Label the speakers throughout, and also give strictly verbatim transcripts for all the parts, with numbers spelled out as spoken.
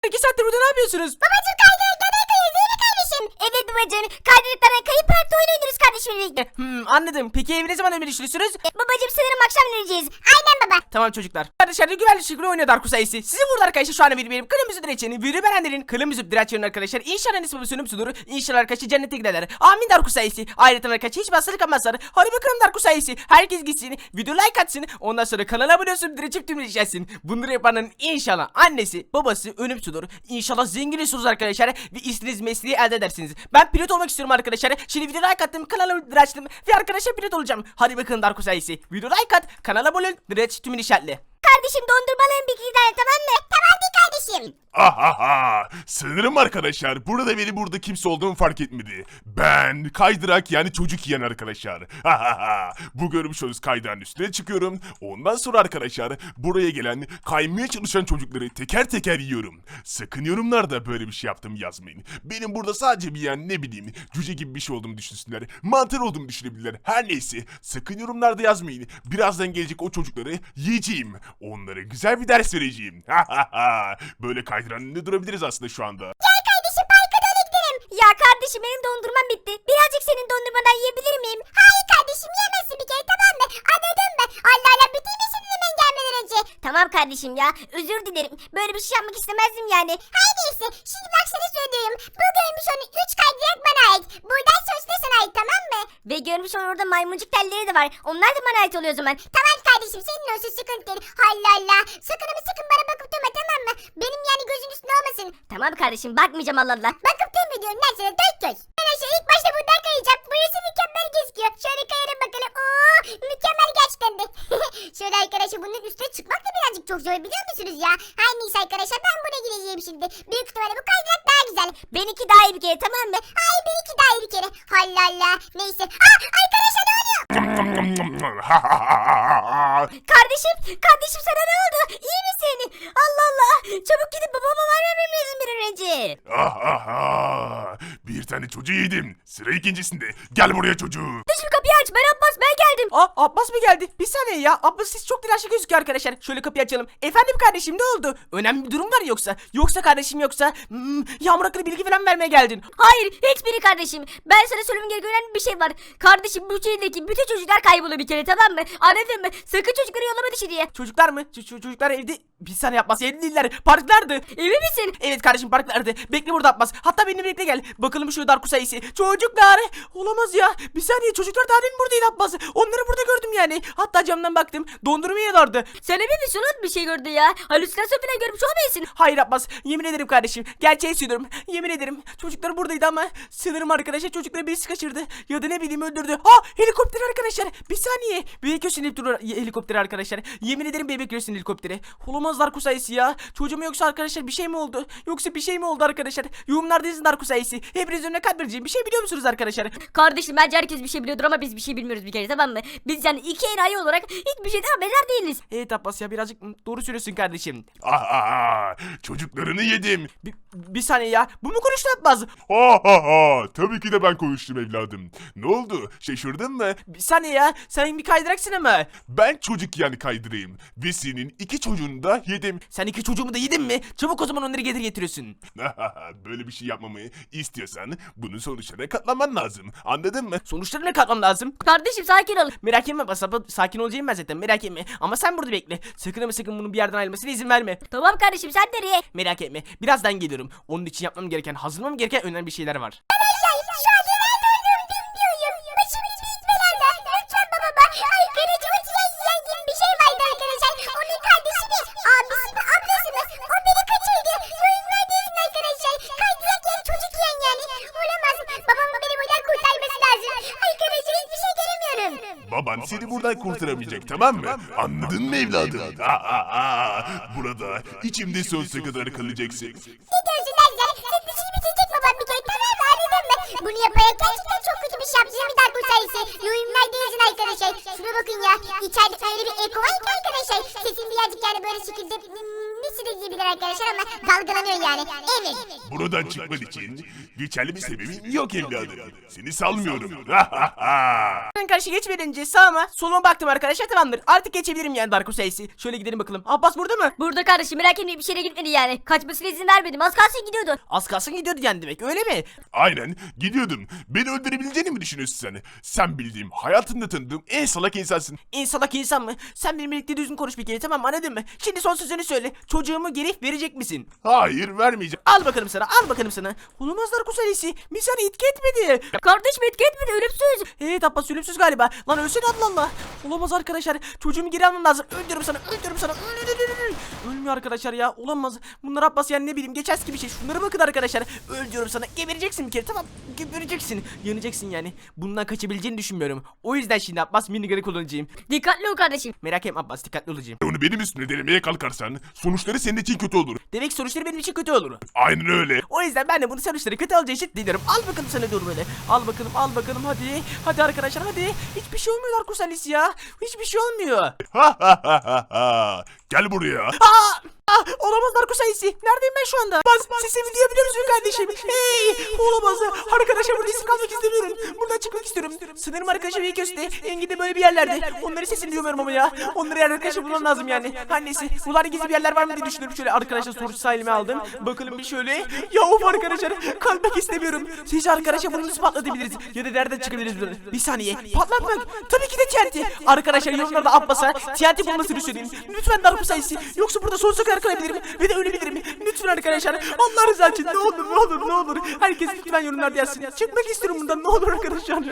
Speaker 1: İki saattir burada ne yapıyorsunuz?
Speaker 2: Babacım kaydıraklara kayıyoruz değil mi kardeşim? Evet babacım. Kaydıraklara kayıp parkta oyun oynuyoruz kardeşimle birlikte.
Speaker 1: Hmm, anladım. Peki evi ne zaman ömür düşünüyorsunuz?
Speaker 2: E, babacım sanırım akşam döneceğiz. Aynen baba.
Speaker 1: Tamam çocuklar. Dışarıda güvenli şekilde oynuyor Dark sayısı. Sizin burada arkadaşlar şu anda bir benim kırmızı direçeni, Vürü Berenler'in kırmızı direçlerinin arkadaşlar. İnşallah nispi sönüm sudur. İnşallah arkadaşlar cennete giderler. Amin Dark sayısı. Ayrıca arkadaşlar hiç basılık almazlar. Hadi bakalım Dark sayısı. Herkes gitsin. Video like atsın. Ondan sonra kanala abone olsun. Direçip tümleşeceksin. Bunları yapanın inşallah annesi, babası ölüm sudur. İnşallah zengin olursunuz arkadaşlar. Ve istediğiniz mesleği elde edersiniz. Ben pilot olmak istiyorum arkadaşlar. Şimdi video like attım. Kanala direçtim. Ve arkadaşlar pilot olacağım. Hadi bakalım Dark sayısı. Video like at. Kanala abone ol. Direç tümün işaretli.
Speaker 2: Kardeşim dondurmaların bir iki tane tamam mı? Tamamdır kardeşim.
Speaker 3: Ahaha! Sanırım arkadaşlar burada beni burada kimse olduğumu fark etmedi. Ben kaydırak yani çocuk yiyen arkadaşlar. Ahaha! Bu görmüş olduğunuz kaydağın üstüne çıkıyorum. Ondan sonra arkadaşlar buraya gelen kaymaya çalışan çocukları teker teker yiyorum. Sakın yorumlarda böyle bir şey yaptım yazmayın. Benim burada sadece bir yani ne bileyim cüce gibi bir şey olduğumu düşünsünler. Mantar olduğumu düşünebilirler. Her neyse sakın yorumlarda yazmayın. Birazdan gelecek o çocukları yiyeceğim. Onlara güzel bir ders vereceğim. Hahaha! Böyle kaydıranın önünde durabiliriz aslında şu anda.
Speaker 2: Gel kardeşim parka doğru gidelim. Ya kardeşim benim dondurmam bitti. Birazcık senin dondurmadan yiyebilir miyim? Hayır kardeşim yiyemezsin bir kere tamam mı? Anladım ben. Allah Allah bitirmesin hemen gelmeden önce. Tamam kardeşim ya özür dilerim. Böyle bir şey yapmak istemezdim yani. Her neyse şimdi bak sana söylüyorum. Bu görmüş onun üç kaydırak bana ait. Buradan söz de sana ait tamam mı? Ve görmüş onun orada maymuncuk telleri de var. Onlar da bana ait oluyor o zaman. Tamam kardeşim senin olsun sıkıntı değil. Allah Allah. Sakın ama sakın bana bakıp durma tamam mı? Benim yani gözün üstüne olmasın. Tamam kardeşim bakmayacağım Allah Allah. Bakıp durma diyorum lan sana dört göz. Ben aşağı ilk başta buradan kayacağım. Burası mükemmel gözüküyor. Şöyle kayarım bakalım. Oo mükemmel gerçekten de. Şöyle arkadaşlar bunun üstüne çıkmak da birazcık çok zor biliyor musunuz ya? Her neyse arkadaşlar ben buna gireceğim şimdi. Büyük ihtimalle bu kaydırak daha güzel. Benimki daha iyi bir kere tamam mı? Ay benimki daha iyi bir kere. Allah Allah. Neyse. Aa arkadaşlar ne oluyor? Kardeşim, kardeşim sana ne oldu? İyi misin? Allah Allah. Çabuk gidip babama haber vermem lazım bir an önce.
Speaker 3: Ahaha! Bir tane çocuğu yedim. Sıra ikincisinde. Gel buraya çocuğum.
Speaker 2: Şu kapıyı aç. Ben Abbas ben geldim.
Speaker 1: Aa Abbas mı geldi? Bir saniye ya. Abbas siz çok telaşlı gözüküyor arkadaşlar. Şöyle kapıyı açalım. Efendim kardeşim ne oldu? Önemli bir durum var yoksa? Yoksa kardeşim yoksa hmm, Yağmur hakkında bilgi falan vermeye geldin.
Speaker 2: Hayır hiçbiri kardeşim. Ben sana söylemem gereken önemli bir şey var. Kardeşim bu şehirdeki bütün çocuklar kayboldu bir kere tamam mı? Anladın mı? Sakın çocukları yollama dışarıya.
Speaker 1: Çocuklar mı? Ç- ç- çocuklar evde. Bir saniye Abbas evde değiller. Parklardı.
Speaker 2: Emin misin?
Speaker 1: Evet kardeşim parklardı. Bekle burada Abbas. Hatta benimle birlikte gel. Bakalım şu Dark sayısı. Çocuklar. Olamaz ya. Bir saniye çocuklar daha demin buradaydı Abbas. Onları burada gördüm yani. Hatta camdan baktım. Dondurma yiyorlardı.
Speaker 2: Sen emin misin? Unut bir şey gördü ya. Halüsinasyon falan görmüş olmayasın.
Speaker 1: Hayır Abbas. Yemin ederim kardeşim. Gerçeği söylüyorum. Yemin ederim. Çocuklar buradaydı ama sanırım arkadaşlar çocukları birisi kaçırdı. Ya da ne bileyim öldürdü. Ha helikopter arkadaşlar. Bir saniye. Bebek göğsün helikopteri arkadaşlar. Yemin ederim bebek göğsün helikopteri. Olamaz Dark sayısı ya. Çocuğum yoksa arkadaşlar bir şey mi oldu? Yoksa bir şey mi oldu arkadaşlar? Yorumlarda yazın Dark sayısı. Hepiniz önüne kalp vereceğim. Bir şey biliyor musunuz arkadaşlar?
Speaker 2: Kardeşim bence herkes bir şey biliyordur ama biz bir şey bilmiyoruz bir kere tamam mı? Biz yani iki enayi olarak hiçbir şeyden haberdar değiliz.
Speaker 1: Evet Abbas ya birazcık doğru söylüyorsun kardeşim.
Speaker 3: Ahaha! Çocuklarını yedim.
Speaker 1: Bir, bir saniye ya. Bu mu konuştu Abbas?
Speaker 3: Ahaha! Tabii ki de ben konuştum evladım. Ne oldu? Şaşırdın mı?
Speaker 1: Bir saniye ya. Sen bir kaydıraksın ama.
Speaker 3: Ben çocuk yani kaydırayım. Ve senin iki çocuğunu da yedim.
Speaker 1: Sen iki çocuğumu da yedin mi? Çabuk o zaman onları getir getiriyorsun.
Speaker 3: Böyle bir şey yapmamı istiyorsan bunun sonuçlarına katlanman lazım. Anladın mı?
Speaker 1: Sonuçlarına katmam lazım.
Speaker 2: Kardeşim sakin ol.
Speaker 1: Merak etme Abbas. Sakin olacağım ben zaten. Merak etme. Ama sen burada bekle. Sakın ama sakın bunun bir yerden ayrılmasına izin verme.
Speaker 2: Tamam kardeşim sen nereye?
Speaker 1: Merak etme. Birazdan geliyorum. Onun için yapmam gereken, hazırlamam gereken önemli bir şeyler var.
Speaker 3: Baban seni buradan kurtaramayacak tamam mı? Anladın mı evladım? Aa, burada içimde sonsuza kadar kalacaksın.
Speaker 2: Ne diyorsun lan sen? Sen dişini bitirecek babam bir kere tamam mı anladın mı? Bunu yaparak gerçekten çok kötü bir şey yaptığını bir darbe sayısı. Yorumlarda yazın arkadaşlar. Şuna bakın ya. İçeride öyle bir eko var ki arkadaşlar. Sesim birazcık yani böyle şekilde hmm, ne kişi de giyebilir arkadaşlar ama dalgalanıyor yani. Evet.
Speaker 3: Buradan çıkman için geçerli bir sebebin yok evladım. Seni salmıyorum.
Speaker 1: Ben karşı geçmeden sağıma soluma baktım arkadaşlar, tamamdır. Artık geçebilirim yani Darko sayısı. Şöyle gidelim bakalım. Abbas burada mı?
Speaker 2: Burada kardeşim, merak etmeyin, bir şeye gitmedi yani. Kaçmasına izin vermedim. Az kalsın gidiyordu.
Speaker 1: Az kalsın gidiyordu yani demek, öyle mi?
Speaker 3: Aynen gidiyordum. Beni öldürebileceğini mi düşünüyorsun sen? Sen bildiğim, hayatımda tanıdığım en salak insansın.
Speaker 1: İnsalak insan mı? Sen benimle birlikte düzgün konuş bir kere, tamam mı, anladın mı? Şimdi son sözünü söyle. Çocuğumu geri verecek misin?
Speaker 3: Hayır, vermeyeceğim.
Speaker 1: Al bakalım sana, al bakalım sana. Olamaz Darko sayısı. Bir sana etki etmedi.
Speaker 2: Kardeşim etki etmedi, ölümsüz.
Speaker 1: Evet Abbas, ölümsüz galiba. Lan ölsene, Allah Allah. Olamaz arkadaşlar. Çocuğumu geri almam lazım. Öldürürüm sana, öldürürüm sana. Ölmüyor arkadaşlar ya. Olamaz. Bunlar Abbas yani, ne bileyim, geçersiz gibi şey. Şunlara bakın arkadaşlar. Öldürüyorum sana. Gebereceksin bir kere, tamam. Gebereceksin. Yanacaksın yani. Bundan kaçabileceğini düşünmüyorum. O yüzden şimdi Abbas minigun'ı kullanacağım.
Speaker 2: Dikkatli ol kardeşim.
Speaker 1: Merak etme Abbas, dikkatli olacağım.
Speaker 3: Onu benim üstüme denemeye kalkarsan sonuçları senin için kötü olur.
Speaker 1: Demek sonuçları benim için kötü olur.
Speaker 3: Aynen öyle.
Speaker 1: O yüzden ben de bunu sonuçları kötü olacağı için diliyorum. Al bakalım sana, dur böyle. Al bakalım, al bakalım, hadi. Hadi arkadaşlar, hadi. Hiçbir şey olmuyor Darko sayısı ya. Hiçbir şey olmuyor.
Speaker 3: Ha ha ha ha ha. Gel buraya.
Speaker 1: Aa! Ah, olamaz Darko sayısı. Neredeyim ben şu anda? Bas, sesimi duyabiliyor musun kardeşim? Hey! Olamaz. Arkadaşlar burada isim kalmak istemiyorum. Buradan çıkmak istiyorum. Sanırım arkadaşlar bir köste. Engin'de böyle bir yerlerde. Onların sesini duymuyorum ama ya. Onları yer arkadaşlar bulmam lazım yani. Her neyse. Buralarda gizli bir yerler var mı diye düşünüyorum. Şöyle arkadaşlar sorusu elime aldım. Bakalım bir şöyle. Ya of arkadaşlar. Kalmak istemiyorum. Siz arkadaşlar bunu nasıl patlatabiliriz? Ya da nereden çıkabiliriz buradan? Bir saniye. Patlatmak. Tabii ki de T N T. Arkadaşlar yorumlarda Abbas'a T N T bulmasını söyleyin. Lütfen Darko sayısı. Yoksa burada sonsuza kadar kalabilirim ve de ölebilirim. Lütfen arkadaşlar. Allah rızası için ne olur ne olur ne olur. Herkes lütfen yorumlarda yazsın. Çıkmak istiyorum bundan, ne olur arkadaşlar.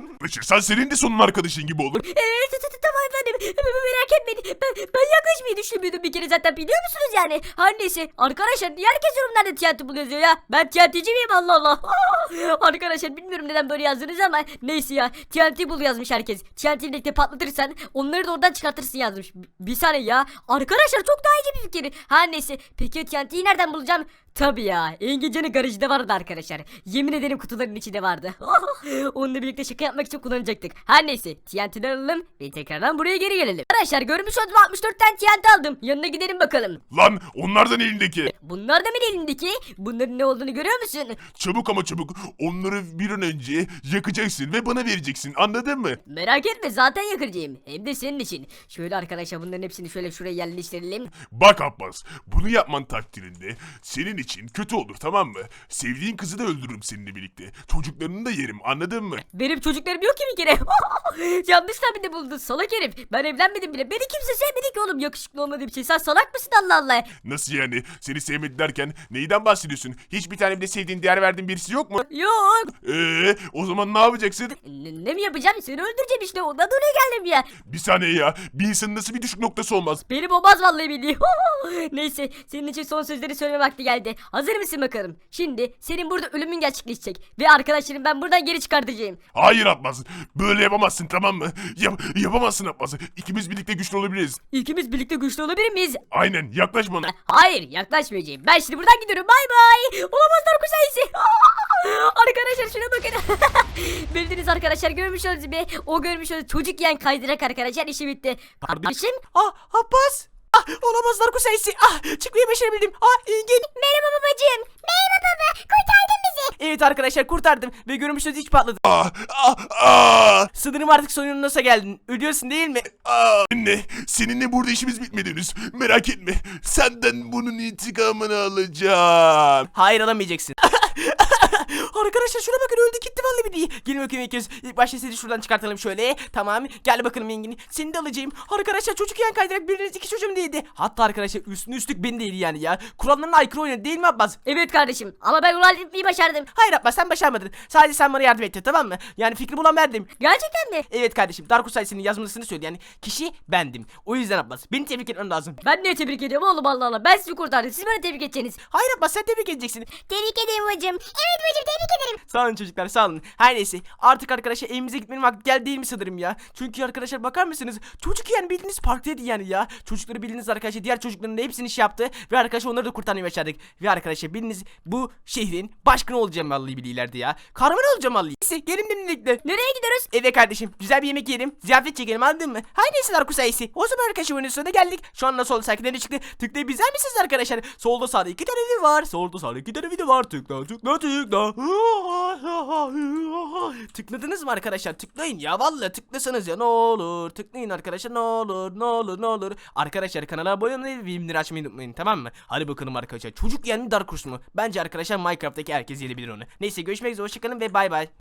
Speaker 3: Sen senin de sonun arkadaşın gibi olur.
Speaker 2: Evet tamam efendim, merak etmeyin. Ben, ben yaklaşmayı düşünmüyordum bir kere zaten, biliyor musunuz yani? Her neyse arkadaşlar, niye herkes yorumlarda T N T bul yazıyor ya? Ben T N T'ci miyim, Allah Allah. Arkadaşlar bilmiyorum neden böyle yazdınız ama neyse ya, T N T bul yazmış herkes. T N T'yi birlikte patlatırsan onları da oradan çıkartırsın yazmış. Bir saniye ya arkadaşlar, çok daha iyi bir fikir. Her neyse, peki T N T'yi nereden bulacağım? Tabii ya, İngilizcenin garajında vardı arkadaşlar. Yemin ederim kutuların içinde vardı. Onunla birlikte şaka yapmak için kullanacaktık. Her neyse, T N T'den alalım ve tekrardan buraya geri gelelim. Arkadaşlar görmüş olduğunuz altmış dört tane T N T aldım. Yanına gidelim bakalım.
Speaker 3: Lan onlardan elindeki.
Speaker 2: Bunlar da mı elindeki? Bunların ne olduğunu görüyor musun?
Speaker 3: Çabuk ama çabuk onları bir an önce yakacaksın ve bana vereceksin, anladın mı?
Speaker 2: Merak etme, zaten yakacağım. Hem de senin için. Şöyle arkadaşlar bunların hepsini şöyle şuraya yerleştirelim.
Speaker 3: Bak Abbas, bunu yapman takdirinde senin için kötü olur, tamam mı? Sevdiğin kızı da öldürürüm seninle birlikte. Çocuklarını da yerim, anladın mı?
Speaker 2: Benim çocuklarım yok ki bir kere. Yanlış tahminde buldun salak herif. Ben evlenmedim bile. Beni kimse sevmedi ki oğlum, yakışıklı olmadığı bir şey. Sen salak mısın Allah Allah?
Speaker 3: Nasıl yani? Seni sevmedi derken neyden bahsediyorsun? Hiçbir tane bile sevdiğin, değer verdiğin birisi yok mu?
Speaker 2: Yok.
Speaker 3: Eee o zaman ne yapacaksın?
Speaker 2: Ne, ne mi yapacağım? Seni öldüreceğim işte. Ondan oraya geldim ya.
Speaker 3: Bir saniye ya. Bir insanın nasıl bir düşük noktası olmaz?
Speaker 2: Benim olmaz vallahi billahi. Neyse, senin için son sözleri söyleme vakti geldi. Hazır mısın bakalım? Şimdi senin burada ölümün gerçekleşecek. Ve arkadaşlarım ben buradan geri çıkartacağım.
Speaker 3: Hayır Abbas. Böyle yapamazsın, tamam mı? Yap yapamazsın Abbas. İkimiz birlikte güçlü olabiliriz.
Speaker 2: İkimiz birlikte güçlü olabilir miyiz?
Speaker 3: Aynen, yaklaş bana.
Speaker 2: Hayır, yaklaşmayacağım. Ben şimdi buradan gidiyorum. Bay bay. Olamazlar bu sayısı. Arkadaşlar şuna bakın. Bildiniz arkadaşlar, görmüş olduğunuz gibi. O görmüş olduğunuz çocuk yiyen kaydırak arkadaşlar, işi bitti. Kardeşim.
Speaker 1: Ah Abbas. Ah, olamaz Darko sayısı. Ah, çıkmayı başarabildim. Ah, Engin.
Speaker 2: Merhaba babacığım. Merhaba baba. Kurtardın bizi.
Speaker 1: Evet arkadaşlar, kurtardım ve görmüşsünüz hiç patladı.
Speaker 3: Ah, ah, ah,
Speaker 1: Sanırım artık sonuna nasıl geldin? Ölüyorsun değil mi?
Speaker 3: ah. Anne, seninle burada işimiz bitmedi henüz. Merak etme. Senden bunun intikamını alacağım.
Speaker 1: Hayır, alamayacaksın. Arkadaşlar şuna bakın, öldü gitti vallahi billahi. Gelin bakayım ilk kez. İlk başta seni şuradan çıkartalım şöyle. Tamam, gel bakalım Engin. Seni de alacağım. Arkadaşlar çocuk yan kaydırak biriniz iki çocuğum değildi. Hatta arkadaşlar üstüne üstlük beni değildi yani ya. Kurallarına aykırı oynadı değil mi Abbas?
Speaker 2: Evet kardeşim, ama ben onu halletmeyi başardım.
Speaker 1: Hayır Abbas, sen başarmadın. Sadece sen bana yardım ettin, tamam mı? Yani fikri bulan bendim.
Speaker 2: Gerçekten mi?
Speaker 1: Evet kardeşim, Darko sayısının yazmasını söyledi yani. Kişi bendim. O yüzden Abbas, beni tebrik etmem lazım.
Speaker 2: Ben de tebrik ediyorum oğlum, Allah Allah. Ben sizi kurtardım. Siz bana tebrik edeceksiniz.
Speaker 1: Hayır Abbas, sen tebrik edeceksin.
Speaker 2: Tebrik ederim hocam. Evet hocam, tebrik tebrik ederim.
Speaker 1: Sağ olun çocuklar, sağ olun. Her neyse, artık arkadaşlar evimize gitmenin vakti geldi değil mi sanırım ya? Çünkü arkadaşlar bakar mısınız? Çocuk yani bildiğiniz parktaydı yani ya. Çocukları bildiğiniz arkadaşlar diğer çocukların da hepsini şey yaptı ve arkadaşlar onları da kurtarmayı başardık. Ve arkadaşlar bildiğiniz bu şehrin başkanı olacağım vallahi billahi ileride ya. Kahraman olacağım vallahi. Neyse gelin birlikte.
Speaker 2: Nereye gidiyoruz?
Speaker 1: Evet kardeşim, güzel bir yemek yiyelim, ziyafet çekelim, anladın mı? Her neyse Darko sayısı. O zaman arkadaşlar oyunun sonuna geldik. Şu an nasıl oldu, sakinleri çıktı. Tıklayıp izler misiniz arkadaşlar? Solda sağda iki tane video var. Solda sağda iki tane video var. Tıkla tıkla tıkla. Tıkladınız mı arkadaşlar? Tıklayın ya, vallahi tıklasanız ya, ne olur. Tıklayın arkadaşlar, ne olur ne olur ne olur. Arkadaşlar kanala abone olmayı ve bildirimleri açmayı unutmayın, tamam mı? Hadi bakalım arkadaşlar. Çocuk yani mi Dark Horse mu? Bence arkadaşlar Minecraft'taki herkes yiyebilir onu. Neyse görüşmek üzere, hoşçakalın ve bay bay.